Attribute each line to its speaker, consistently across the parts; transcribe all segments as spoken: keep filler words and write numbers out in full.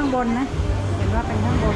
Speaker 1: างบนนะเห็นว่าเป็นข้างบน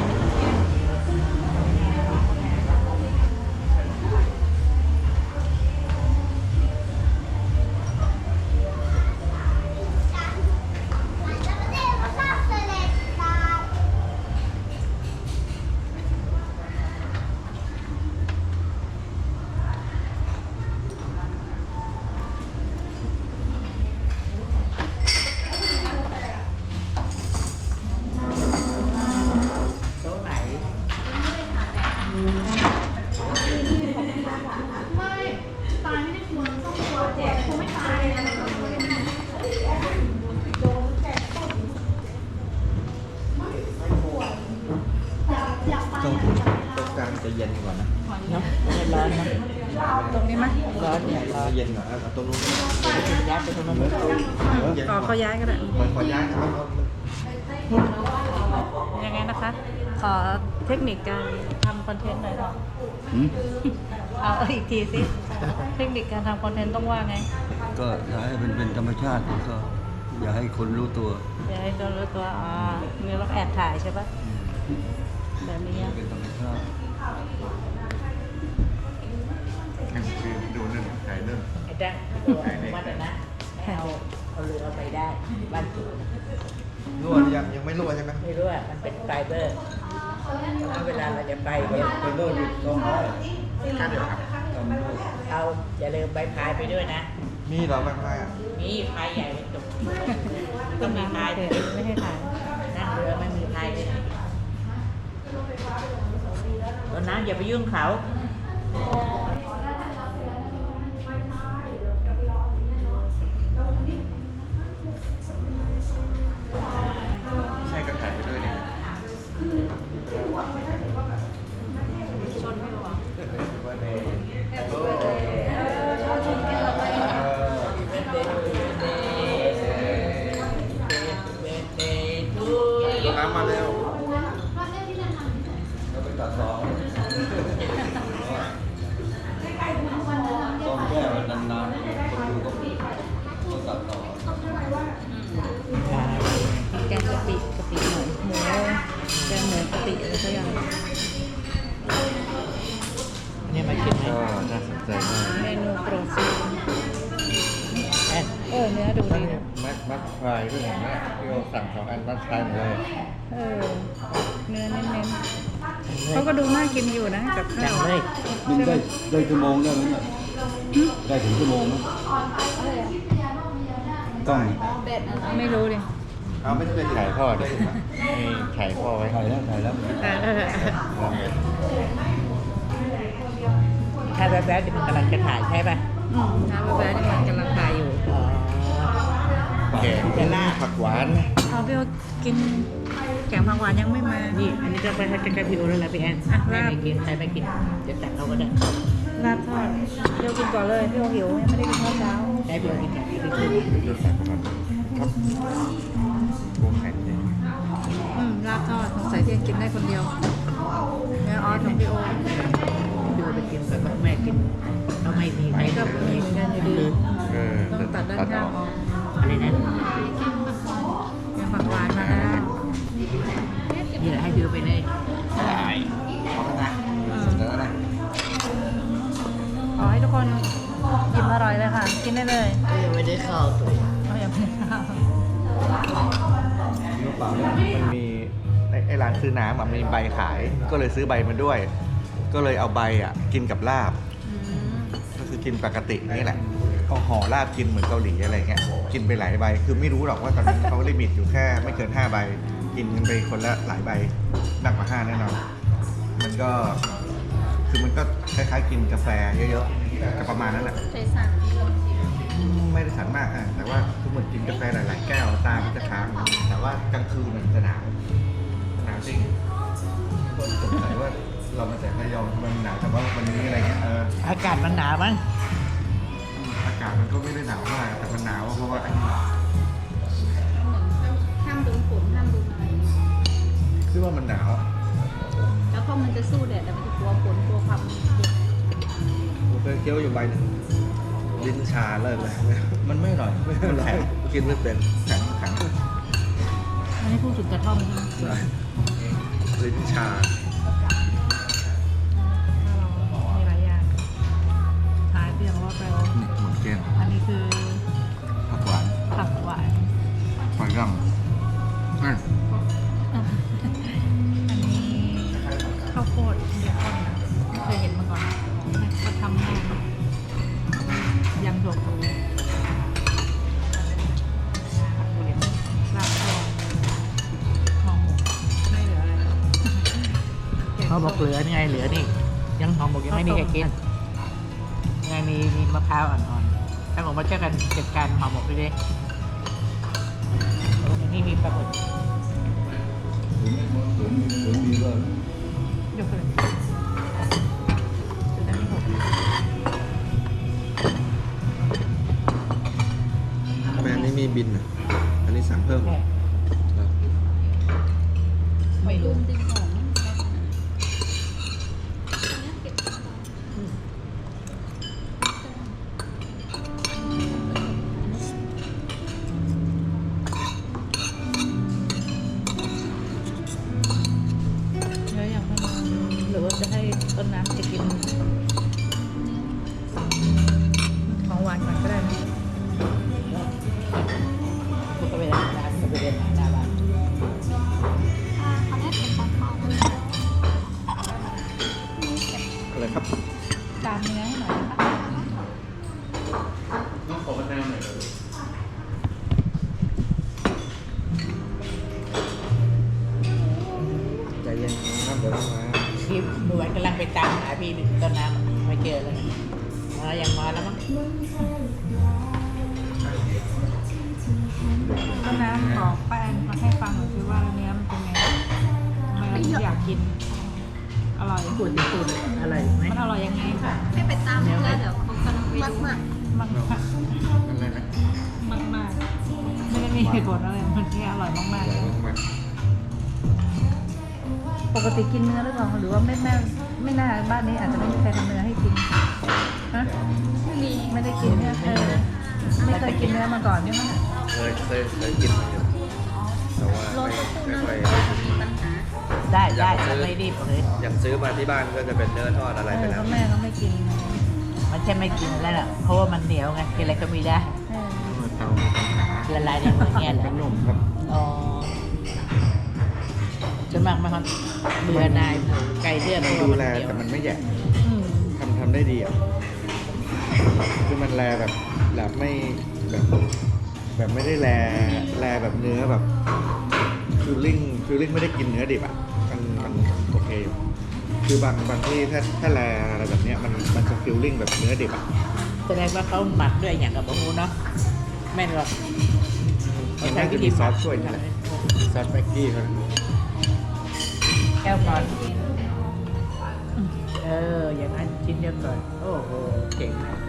Speaker 2: จะเย็นกว่านะ
Speaker 1: เนาะร้อนนะตรงนี้ไหมร้อนเนี่ยร้อน
Speaker 2: เย็นกว่าตรงนู้น
Speaker 1: ย้ายไปตรงนู้นต่อเขาย้ายก็ได้
Speaker 2: มันขอย้ายครับ
Speaker 1: ยังไงนะคะขอเทคนิคการทำคอนเทนต์หน่อยเนาะเอาอีกทีสิเทคนิคการทำคอนเทนต์ต้องว่าไง
Speaker 3: ก็อยากให้เป็นเป็นธรรมชาติก็อย่าให้คนรู้ตัว
Speaker 1: อย่าให้คนรู้ตัวอ๋อมีเราแอบถ่ายใช่ปะแบบนี้
Speaker 3: เป็นธรรมชาติ
Speaker 2: คือดูนึ่งถ่ายนึ่ง
Speaker 4: ไอ้แดงตัวมันนะให้เอาเอาเรือไปได้บ้านสวน
Speaker 2: รั่วยังยังไม่รั่วใช่ไหม
Speaker 4: ไม่รู้อ่ะมันเป็นไฟเบอร์เวลาเราจะไปเนี่ย
Speaker 3: เป็นโรคอยู่ตรงนี้
Speaker 2: ค่าเดียวครับ
Speaker 4: เอาอย่าลืมใบพายไปด้วยนะ
Speaker 2: มีเหรอใบพายอ่ะ
Speaker 4: มีพายใหญ่เป็นตุกต้องมีพายเลย
Speaker 1: ไม่ให้ถ่าย
Speaker 4: นั่งเรือไม่มีพายเลยตอนนั้นอย่าไปยุ่งเขา
Speaker 2: ใช่ก็ถ่ายไปด้วยเนี่ย
Speaker 1: ชนไม่หรอ
Speaker 2: น้ำมาเร็ว
Speaker 3: แล้วไปตัดต่อต้องแก้มันนานๆคนดูก็ต้องตัดต่อ
Speaker 1: แกงกะปิกะปิหน่อยหมูแกงหมูกะปิอะไรสักอย่าง
Speaker 4: เนี่ยมากินไหม
Speaker 2: น่าสนใจมาก
Speaker 1: เมนูโปรตีนเออเนื้อดูดีนะ
Speaker 2: มัดมัดฟรายด้วยอย่างนี้ที่เราสั่งสองอันมัดฟรายเลย
Speaker 1: เออเนื้อเน้นๆเขาก็ดูน่ากินอยู่นะกับข้าว
Speaker 4: เลย
Speaker 3: มันได้ได้ชั่วโมงได้ไหมได้ถึงชั่วโมงไหมต้อง
Speaker 1: ไม่รู้ดิ
Speaker 2: เอาไม่เป็นไข่ทอดเลยไข่พ่อไว้
Speaker 3: ถ่ายแล้วถ่ายแล้ว
Speaker 4: ถ้าแบบแบบนี้มันกำลังจะถ่ายใช่ป่ะ
Speaker 1: อืมน้ำแบบนี้มันกำลังถ่ายอยู่
Speaker 2: แกงผักหวาน
Speaker 1: เอาพี่โอกินแกงผักหวานยังไม่มา
Speaker 4: นี่อันนี้ก็ไปให้กับพี่โอแล้วนะพี่แอนแม่ไม่กินใครไม่กินจะตักเขาก็ได้
Speaker 1: ลาบทอดพี่โอกินก่อนเลยพี่โอหิวยังไม่ได้กินข้าวเช้า
Speaker 4: ได้พี่โอกินก่อนพี่โอ
Speaker 2: จะสั่งก่อนครับกุ้งแห้งเลย
Speaker 1: อืมลาบทอดสงสัยพี่กินได้คนเดียวแม่ออสของพี่โอ
Speaker 4: พี่โอไปกินแต่แม่กินก็ไม่มีใคร
Speaker 1: ก็มีเหมือนกันอยู่ดีต้องตัดด้านข้างออก
Speaker 4: อะไรนะ
Speaker 1: แกงผักหวานมาแล้ว
Speaker 4: นี่แหละให้พี่โอไปเลย
Speaker 2: ได้ขอบคุณนะเสนอนะ
Speaker 1: ขอให้ทุกคนอิ่มอร่อยเลยค่ะกินได้เลย
Speaker 4: ยังไม่ได้ข้าวตัว
Speaker 1: เรายังไม่ได้ข้าว
Speaker 2: มันมีไอ้ร้านซื้อน้ำมีใบขายก็เลยซื้อใบมาด้วย ก็เลยเอาใบอ่ะกินกับลาบก็คือกินปกตินี่แหละก็ห่อลาบกินเหมือนเกาหลีอะไรเงี้ยกินไปหลายใบคือไม่รู้หรอกว่าตอนนั้นเขาลิมิตอยู่แค่ไม่เกินห้าใบกินกันไปคนละหลายใบมากกว่าห้าแน่นอนมันก็คือมันก็คล้ายๆกินกาแฟเยอะๆก็ประมาณนั้นแหละ
Speaker 1: ใจสั่น
Speaker 2: ไม่ได้สั่นมากอ่ะแต่ว่าคือเหมือนกินกาแฟหลายๆแก้วตามันจะค้างแต่ว่ากลางคืนมันจะหนาวหนาวจริงก็สงสัยว่าเรามาจากระยองมันหนาวแต่ว่าวันนี้อะไรเงี้ยเออ
Speaker 4: อากาศมันหนาวมั้ง
Speaker 2: อากาศมันก็ไม่ได้หนาวมากแต่มันหนาวเพราะว่า
Speaker 1: ห้ามโดนฝนห้ามโดนอะไร
Speaker 2: คือว่ามันหนาว
Speaker 1: แล้วก็มันจะสู้แดดแต่มันจะกลัวฝนกลัวความเย็น
Speaker 2: ผมเคยเคี้ยวอยู่ใบหนึ่งลิ้นชาเลิกเลยมันไม่อร่อยไม่อร่อยกินไม่เป็นแข็งแข็ง
Speaker 1: มอันนี้พูดถึงกระท่อมใช่ไหม
Speaker 2: ใช่ลิ้นชา
Speaker 1: มีหลายอย่างขายเพียงรอดไปแล้ว
Speaker 2: อืมหมดเกลี้ยง
Speaker 1: อันนี้คือ
Speaker 2: ผักหวาน
Speaker 1: ผักหวาน
Speaker 2: ฝรั่งอืม
Speaker 1: อันนี้ข้าวโพดเบคอนนะไม่เคยเห็นมาก่อนเขาทำง่ายยำถั่วพูลาบทอดห่อหมกไม่เหลืออะไร
Speaker 4: เขาบอกเหลือนี่ไงเหลือนี่ ยังหอมหมกยังไม่มีใครกินยังไงมีมีมะพร้าวอ่อนๆถ้าผมมาเจอกันจัดการหอมหมกด้วยดินี่มีปลาหมึก
Speaker 1: ยกเลยจะได้ไม่หก
Speaker 2: ทำไมอันนี้มีบินอ่ะ อันนี้สั่งเพิ่มเหรอ
Speaker 4: ไม่รู้
Speaker 1: เนื้ออย่างนั้นหรือว่าจะให้ต้นน้ำจะกินของหวานก่อนก็ได้นะ
Speaker 4: กูก็ไปร้านร้านกูไปเรียนหน้าบ้าน
Speaker 2: อะไรครับ
Speaker 1: ตามเนื้อให้หน่อยนะคะ
Speaker 2: ต้องขอมะนาวหน่อยใจเย็นครับเดี๋ยวต้องมา
Speaker 4: พี่หนวดกำลังไปตามหาพี่ต้นน้ำไม่เจอเลยมายังมาแล้วมั้ง
Speaker 1: ต้นน้ำบอกป้าแอนมาให้ฟังหน่อยสิว่าเนื้อมันเป็นไงทำไมเราถึงอยากกิน อร่อย
Speaker 4: พูดพูดอะไรไหม
Speaker 1: มันอร่อยยังไงค่ะ
Speaker 5: ให้ไปตามเนื้อเดี๋ยวเขากำลังไปดู
Speaker 1: มากมาก
Speaker 2: อะไรนะ
Speaker 1: มากมากไม่ได้มีเหตุผลอะไรมันแค่อร่อยมาก
Speaker 2: อร่อยมาก
Speaker 1: ๆปกติกินเนื้อหรือเปล่าหรือว่าไม่แม่ไม่น่าบ้านนี้อาจจะไม่มีใครทำเนื้อให้กินฮะ
Speaker 5: ไม่มี
Speaker 1: ไม่ได้กินเนี่ยเออไม่เคยกินเนื้อมาก่อนใช่ไหม
Speaker 2: ๆเคยเคยเคยกินมาอยู่แต่ว่า
Speaker 5: โล
Speaker 2: ไม่
Speaker 5: ตะปู
Speaker 2: ไม่
Speaker 5: น่า
Speaker 2: ค่อย
Speaker 5: จะมีปัญหา
Speaker 4: ได้ได้ไม่รีบเลย
Speaker 6: อย่างซื้อมาที่บ้านก็จะเป็นเนื้อทอดอะไร
Speaker 1: เอ
Speaker 6: ไป
Speaker 1: อ
Speaker 6: แล้
Speaker 1: ก็
Speaker 6: ว
Speaker 1: แม่ก็ไม่กิน
Speaker 4: มันจะไม่กินแล้วล่ะเพราะว่ามันเหนียวไงกินอะไรก็ไม่ได้
Speaker 1: เออ
Speaker 2: เตา
Speaker 4: ละลายในมือเนี่ยแหละ
Speaker 2: ขนมครับ
Speaker 4: อ๋อจะมากไหมครับเบื่อนายไก่เลือด
Speaker 2: มัน
Speaker 4: เพราะ
Speaker 2: ดู
Speaker 4: ว่า
Speaker 2: แล
Speaker 4: มันเหนียว
Speaker 2: แต่มันไม่แหยก
Speaker 1: อืม
Speaker 2: ทำทำได้ดีอ่ะคือมันแลแบบแบบไม่แบบ แบบไม่ได้แลแลแบบเนื้อแบบฟิลลิ่งฟิลลิ่งไม่ได้กินเนื้อดิบอ่ะมันมันโอเคอยู่คือบางบางที่ถ้าถ้าแลอะไรแบบเนี้ยมันมันจะฟิลลิ่งแบบเนื้อดิบอ่ะ
Speaker 4: แสดงว่าเขาหมักด้วยอย่างกับบะฮูเนาะแม่นหรอก
Speaker 2: มันน่าจะมีซอสช่วยนี่แหละซอสแม็กกี้เขา
Speaker 4: แก้วก่อนเอออย่างนั้นชิ้นเดียวก่อนโอ้โหเก่งมาก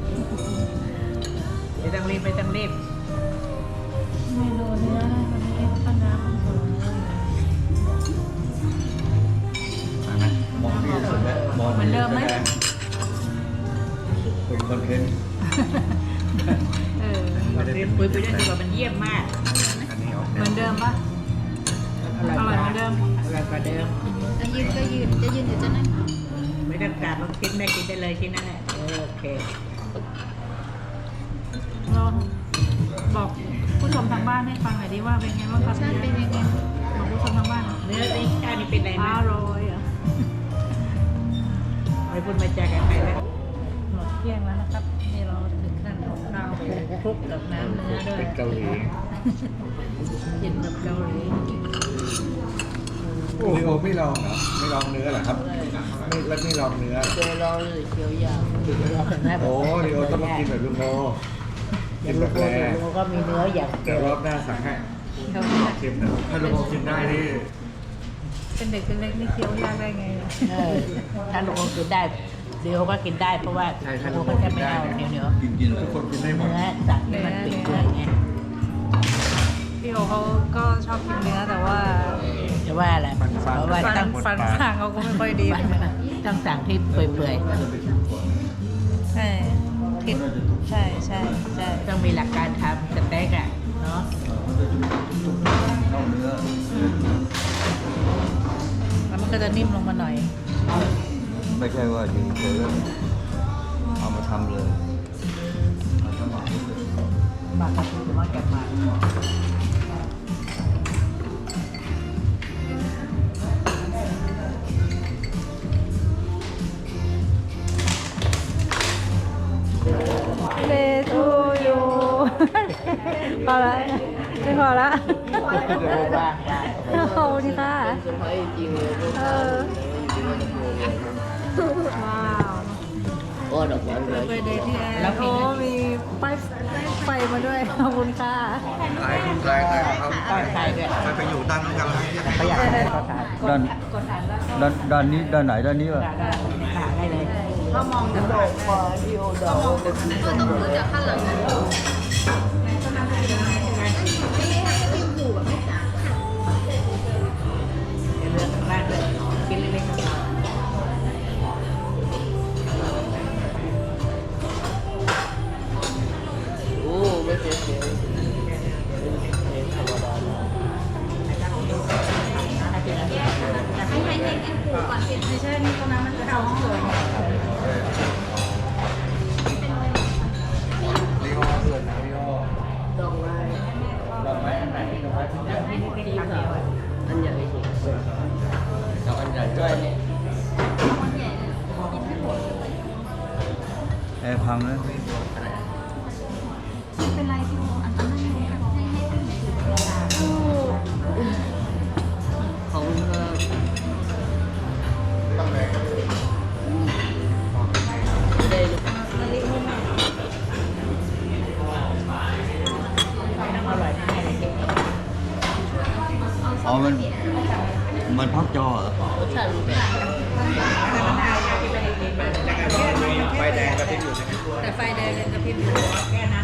Speaker 4: ไม่ต้องรีบไม่ต้องรีบ
Speaker 1: เมนูเนื้อนะวันนี้ต้นน้ำมันสวย
Speaker 2: นะมองที่สุดแล้วมอง
Speaker 1: เหมือนเดิมไหม
Speaker 2: เป็นคอนเทนต์
Speaker 1: เออ
Speaker 2: ไม่ได้เป็น
Speaker 4: คุยไปด้วยดีกว่ามันเยี่ยมมาก
Speaker 2: อันนี้ออก
Speaker 1: เหมือนเดิมปะ
Speaker 4: อร่อย
Speaker 1: อร่อยเหมือนเดิม
Speaker 4: อร่อยกว่าเดิม
Speaker 5: จะยืนก็ยืน จะยืนหรือจะนั่ง
Speaker 4: ไม่ต้องการลองคิดแม่กินได้เลยชิ้นนั้นแหละเออโอเค
Speaker 1: เราบอกผู้ชมทางบ้านให้ฟังหน่อยดิว่าเป็นไงบ้างครับ
Speaker 5: ชาติเป็นยังไง
Speaker 1: บอกผู้ชมทางบ้าน
Speaker 4: เนื้อนี่ข้าวนี่เป็นไรไหม
Speaker 1: อร่อยอ่ะ
Speaker 4: ไม่พูดไม่จากันไปแล้ว
Speaker 1: หมดเที่ยงแล้วนะครับนี่เราถึงขั้นของข้าวคลุกกับน้ำเนื้อด้วย
Speaker 2: เป็นเกาหลี
Speaker 1: กินแบบเกาหลี
Speaker 2: โอ้โหไม่ลองเหรอไม่ลองเนื้อเหรอครับไม่แล้วไม่ลองเนื้อ
Speaker 4: เจอรอเลยเคี้ยวยาวรอเห็นไหม
Speaker 2: โอ้ดิโอต้องมากินแบบลุงโม
Speaker 4: อ
Speaker 2: กิ
Speaker 4: ย่าน ง
Speaker 2: แบ
Speaker 4: ลู
Speaker 2: บ
Speaker 4: ก
Speaker 2: แร
Speaker 4: โลก็มีเนื้ออย่าง
Speaker 2: เดี๋ยวรอบหน้าสั่งให้
Speaker 1: เคี้ยวยาก
Speaker 2: ชิมนะถ้าลุงโมกินได้นี่
Speaker 1: เป็นเด็กเป็นเล็กนี่เคี้ยวยากได้ไงเนี่ย
Speaker 4: เออถ้าลูกกินได้เดี๋ยวก็กินได้เพราะว่าลูกก็จะไม่เอาเหนียวเหนียว
Speaker 3: กินกิน
Speaker 2: ทุกคนกินได้หมด
Speaker 4: เนื้อสัตว์ที่มันเป็นเนื้อไง
Speaker 1: พี่โอเขาก็ชอบกินเนื้อแต่ว่า
Speaker 4: จะว่าอะไรเพราะว่า
Speaker 1: ฟัน
Speaker 4: ต้อง
Speaker 1: ฟันทางเขาก็ไม่ค่อยดี
Speaker 4: ต้องสั่งที่เปื่อย
Speaker 1: ใช่ผิดใช่ใช่ใช่
Speaker 4: ๆต้องมีหลักการทำสเต็กอ่ะเนาะ
Speaker 3: เข้าเนื้อ
Speaker 1: ก็จะนิ่มลงมาหน่อย
Speaker 3: ไม่ใช่ว่าอยู่เฉยๆแล้วเอามาทำเลยเอาสมัคร
Speaker 4: บางกะทิหรือว่าแกงมา
Speaker 1: เลทูยูพอละไม่พอละ
Speaker 4: เดี๋ยวบ้างบ้าง
Speaker 1: ขอบคุณค่ะเออว้าวไปเดทที่แอร์โอ้มีป้ายไฟมาด้วยขอบคุณค่ะ
Speaker 2: ถ่ายถ่ายถ่ายเอา
Speaker 4: ต้องใช้ด้วย
Speaker 2: ไปไปอยู่ด้านนู้นกันแล้ว
Speaker 4: เขาอยากให้เขาทาน
Speaker 3: ด้านด้านด้านนี้ด้านไหนด้านนี้วะ
Speaker 4: ได้ได้ได้เลย
Speaker 1: เขามองจากหลัง
Speaker 5: ก็ต้องดูจากข้างหลังนะไม่ได้ให้พิมพ์หูแบบไม่จ่าย
Speaker 4: เดี๋ยวเลือกข้างล่างเลยกินเล็กๆ
Speaker 5: ให้ให้ให้กินหูก่อนเป็น
Speaker 1: ไม่ใช่นี่ตรงนั้นมันจะเอาห้องเลย
Speaker 2: รีโอเกินนะรีโอ
Speaker 4: ดอกไม้อันไหนดอกไม้ที่แบบนี้ที่ทำเดียวอันใหญ่ดอกอันใหญ่ด้วยเนี่ย
Speaker 5: คนใหญ่เลยกินไม่หมด
Speaker 3: แอร์พังแล้ว
Speaker 5: ไม่เป็นไรพี่โมอันนั้นให้ให้พิมพ์หู
Speaker 4: ของเออ
Speaker 3: อ๋อมันมันพักจอเหรอ
Speaker 6: ไฟแดงกระพริบอยู่ใช่ไหม
Speaker 1: แต่ไฟแดงยังกระพริบอยู่